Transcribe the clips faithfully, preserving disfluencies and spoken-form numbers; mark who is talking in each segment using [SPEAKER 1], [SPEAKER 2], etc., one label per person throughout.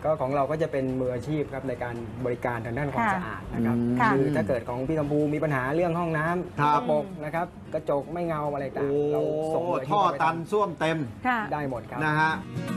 [SPEAKER 1] ก็ของเราก็จะเป็นมืออาชีพครับในการบริการทางด้านความ
[SPEAKER 2] ค่ะ
[SPEAKER 1] สะอาดนะครับ
[SPEAKER 2] ค่ะ
[SPEAKER 1] คือถ้าเกิดของพี่กัมพูมีปัญหาเรื่องห้องน้ำ
[SPEAKER 3] ครับ
[SPEAKER 1] กระปรกนะครับกระจกไม่เงาอะไรต่าง
[SPEAKER 3] โอ้
[SPEAKER 1] ๆเราส่งมือาชีพ
[SPEAKER 3] ท่อ
[SPEAKER 1] เข้าไป
[SPEAKER 3] ตัน
[SPEAKER 1] ทำ
[SPEAKER 3] ส้วมเต็ม
[SPEAKER 2] ค่ะ
[SPEAKER 1] ได้หมดครับ
[SPEAKER 3] นะฮะ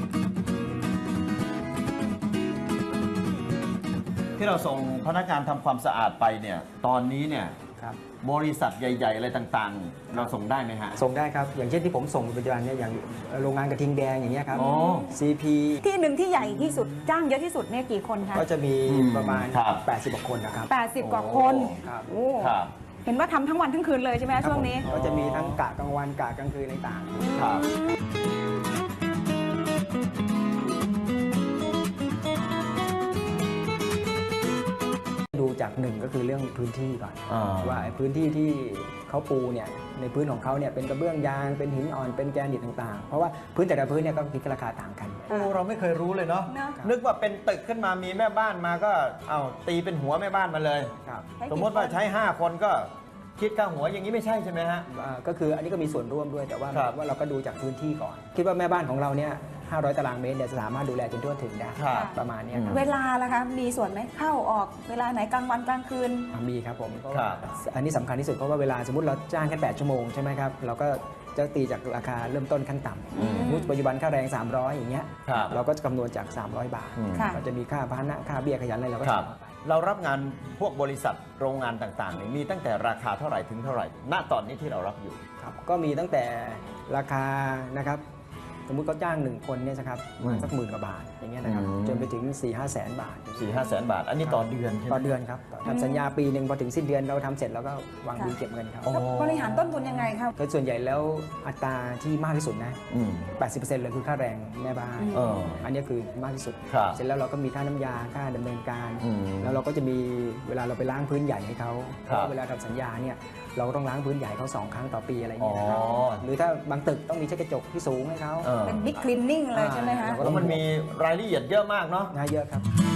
[SPEAKER 3] ที่เราส่งพนักงานทำความสะอาดไปเนี่ยตอนนี้เนี่ย
[SPEAKER 1] ครับ
[SPEAKER 3] บริษัทใหญ่ ๆ อะไรต่างๆ เราส่งได้ไหมฮะ
[SPEAKER 1] ส่งได้ครับอย่างเช่นที่ผมส่งปัจจุบันเนี่ยอย่างโรงงานกระทิงแดงอย่างเงี้ยครับ
[SPEAKER 3] อ๋อ
[SPEAKER 1] ซี พี
[SPEAKER 2] ที่หนึ่งที่ใหญ่ที่สุดจ้างเยอะที่สุดเนี่ยกี่คนคะ
[SPEAKER 1] ก็จะมี
[SPEAKER 3] อืม
[SPEAKER 1] ประมาณ
[SPEAKER 3] ครับ
[SPEAKER 1] แปดสิบกว่าคนนะครับ
[SPEAKER 2] แปดสิบกว่าคน
[SPEAKER 1] ครับ
[SPEAKER 2] โอ้
[SPEAKER 3] ครับ
[SPEAKER 2] เห็นว่าทำทั้งวันทั้งคืนเลยใช่ไหม
[SPEAKER 1] ครับ
[SPEAKER 2] ช่วงนี้
[SPEAKER 1] ผมก็จะมีทั้งกะกลางวันกะกลางคืนต่างๆ
[SPEAKER 3] ครับ
[SPEAKER 1] ดูจากหนึ่งก็คือเรื่องพื้นที่ก่อน
[SPEAKER 3] อ่า
[SPEAKER 1] ว่าไอ้พื้นที่ที่เขาปูเนี่ยในพื้นของเขาเนี่ยเป็นกระเบื้องยางเป็นหินอ่อนเป็นแกรนิตต่างๆ เพราะว่าพื้นแต่ละพื้นเนี่ยก็คิดราคาต่างกัน
[SPEAKER 3] โอ้เราไม่เคยรู้เลยเนาะ
[SPEAKER 2] เนอะ
[SPEAKER 3] นึกว่าเป็นตึกขึ้นมามีแม่บ้านมาก็เอาตีเป็นหัวแม่บ้านมาเลย
[SPEAKER 1] ครับ
[SPEAKER 3] สมมติว่าใช้ ห้า คนก็คิดค่าหัวอย่างนี้ไม่ใช่ใช่ไหมฮะ
[SPEAKER 1] อ่าก็คืออันนี้ก็มีส่วนร่วมด้วยแต่ว่า
[SPEAKER 3] ครับ
[SPEAKER 1] ว่าเราก็ดูจากพื้นที่ก่อน คิดว่าแม่บ้านของเราเนี่ยห้าร้อยตารางเมตรเนี่ยจะสามารถดูแลจนทั่วถึงได้
[SPEAKER 3] ครับ
[SPEAKER 1] ประมาณเนี้ยครับ
[SPEAKER 2] เวลาล่ะคะมีส่วนไหมเข้าออกเวลาไหนกลางวันกลางคืน
[SPEAKER 1] อ่ามีครับผมเพราะ
[SPEAKER 3] ครั
[SPEAKER 1] ว่า
[SPEAKER 3] บ
[SPEAKER 1] อันนี้สำคัญที่สุดเพราะว่าเวลาสมมติเราจ้างแค่แปดชั่วโมงใช่ไหมครับเราก็จะตีจากราคาเริ่มต้นขั้นต่
[SPEAKER 3] อืม
[SPEAKER 1] ำสมมุติปัจจุบันค่าแรง สามร้อย อย่างเงี้ย
[SPEAKER 3] ครับ
[SPEAKER 1] เราก็จะคำนวณจาก สามร้อยบาท
[SPEAKER 3] อืม
[SPEAKER 2] ค่ะ
[SPEAKER 1] ก็จะมีค่าพาหนะค่าเบี้ยขยันอะไรเราก็
[SPEAKER 3] ครับ
[SPEAKER 1] จ่ายเข้าไป
[SPEAKER 3] เรารับงานพวกบริษัทโรงงานต่างๆเนี่ยมีตั้งแต่ราคาเท่าไหร่ถึงเท่าไหร่ ณ ตอนนี้ที่เรารับอยู่
[SPEAKER 1] ครับก็มีตั้งแต่ราคานะครับสมมุติเขาจ้างหนึ่งคนเนี่ยนะครับประมาณสักหมื่นกว่าบาทอย่างเงี้ยนะครับ
[SPEAKER 3] อืม
[SPEAKER 1] จนไปถึง สี่ห้าแสนบาท
[SPEAKER 3] สี่ห้าแสนบาท อันนี้ต่อเดือนใช่ไหม
[SPEAKER 1] ต่อเดือนครับทำสัญญาปีหนึ่งพอถึงสิ้นเดือนเราทำเสร็จแล้วก็วางบินเก็บเงินครับ
[SPEAKER 3] อ๋อ
[SPEAKER 2] บริหารต้นทุนยังไงครับ
[SPEAKER 1] ก็ส่วนใหญ่แล้วอัตราที่มากที่สุดนะ
[SPEAKER 3] อืม
[SPEAKER 1] แปดสิบเปอร์เซ็นต์เลยคือค่าแรงแม่บ้าน
[SPEAKER 3] เออ
[SPEAKER 1] อันนี้คือมากที่สุด
[SPEAKER 3] ครับ
[SPEAKER 1] เสร็จแล้วเราก็มีค่าน้ำยาค่าดำเนินการ
[SPEAKER 3] อืม
[SPEAKER 1] แล้วเราก็จะมีเวลาเราไปล้างพื้นใหญ่ให้เขาเพ
[SPEAKER 3] ครับ
[SPEAKER 1] ราะว่าเวลาทำสัญญาเนี่ยเราก็ต้องล้างพื้นใหญ่เขาสองครั้งต่อปีอะไรอย่างเงี้ยนะครับ
[SPEAKER 3] อ๋อ
[SPEAKER 1] หรือถ้าบางตึกต้องมีเช็ดกระจกที่สูงให้เขา
[SPEAKER 3] เออ
[SPEAKER 2] เป็นบิ๊กคลีนนิ่งเลยใช่ไหมคะ
[SPEAKER 1] เราก็
[SPEAKER 3] แล้วมันมีรายละเอียดเยอะมากเนาะ
[SPEAKER 1] น่าเยอะครับ